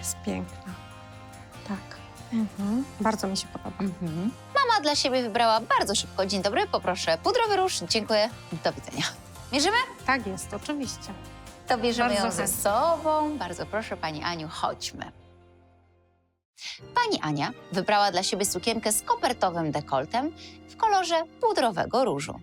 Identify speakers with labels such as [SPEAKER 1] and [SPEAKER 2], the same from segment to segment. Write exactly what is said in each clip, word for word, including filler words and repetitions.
[SPEAKER 1] Jest piękna. Tak. Mhm. Bardzo mi się podoba.
[SPEAKER 2] Mhm. Mama dla siebie wybrała bardzo szybko. Dzień dobry, poproszę pudrowy róż. Dziękuję. Do widzenia. Mierzymy?
[SPEAKER 1] Tak jest, oczywiście.
[SPEAKER 2] To bierzemy
[SPEAKER 1] Bardzo
[SPEAKER 2] ją ze
[SPEAKER 1] chętnie.
[SPEAKER 2] sobą. Bardzo proszę, pani Aniu, chodźmy. Pani Ania wybrała dla siebie sukienkę z kopertowym dekoltem w kolorze pudrowego różu.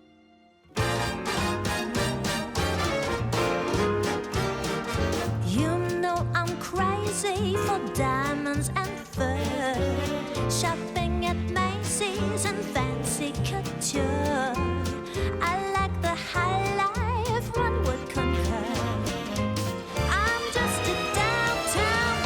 [SPEAKER 3] You know I'm crazy for diamonds and fur, shopping at Macy's and fancy couture. I like the high life, one would concur. I'm just a downtown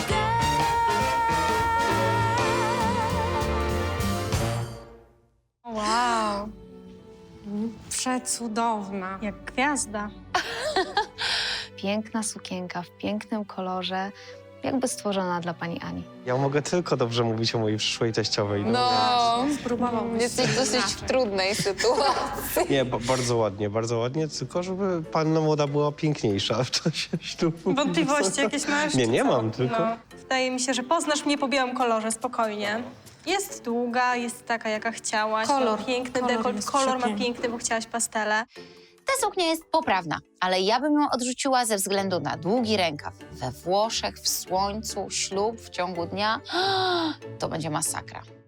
[SPEAKER 3] girl.
[SPEAKER 1] Wow. Przecudowna. Jak gwiazda.
[SPEAKER 2] Piękna sukienka w pięknym kolorze, jakby stworzona dla pani Ani.
[SPEAKER 4] Ja mogę tylko dobrze mówić o mojej przyszłej teściowej.
[SPEAKER 5] No,
[SPEAKER 1] Spróbowałbyś
[SPEAKER 5] jesteś
[SPEAKER 1] coś
[SPEAKER 5] dosyć
[SPEAKER 1] inaczej.
[SPEAKER 5] w trudnej sytuacji.
[SPEAKER 4] Nie, ba bardzo ładnie, bardzo ładnie, tylko żeby panna młoda była piękniejsza w czasie ślubu.
[SPEAKER 1] Wątpliwości jakieś masz?
[SPEAKER 4] Nie,
[SPEAKER 1] czy
[SPEAKER 4] nie
[SPEAKER 1] co?
[SPEAKER 4] mam, tylko...
[SPEAKER 1] No. Wydaje mi się, że poznasz mnie po białym kolorze, spokojnie. Jest długa, jest taka, jaka chciałaś.
[SPEAKER 5] Kolor.
[SPEAKER 1] Ma piękny
[SPEAKER 5] Kolor
[SPEAKER 1] dekolt,
[SPEAKER 5] jest
[SPEAKER 1] kolor ma
[SPEAKER 5] przepiękny.
[SPEAKER 1] piękny, bo chciałaś pastele.
[SPEAKER 2] Ta suknia jest poprawna, ale ja bym ją odrzuciła ze względu na długi rękaw. We Włoszech, w słońcu, ślub w ciągu dnia. To będzie masakra.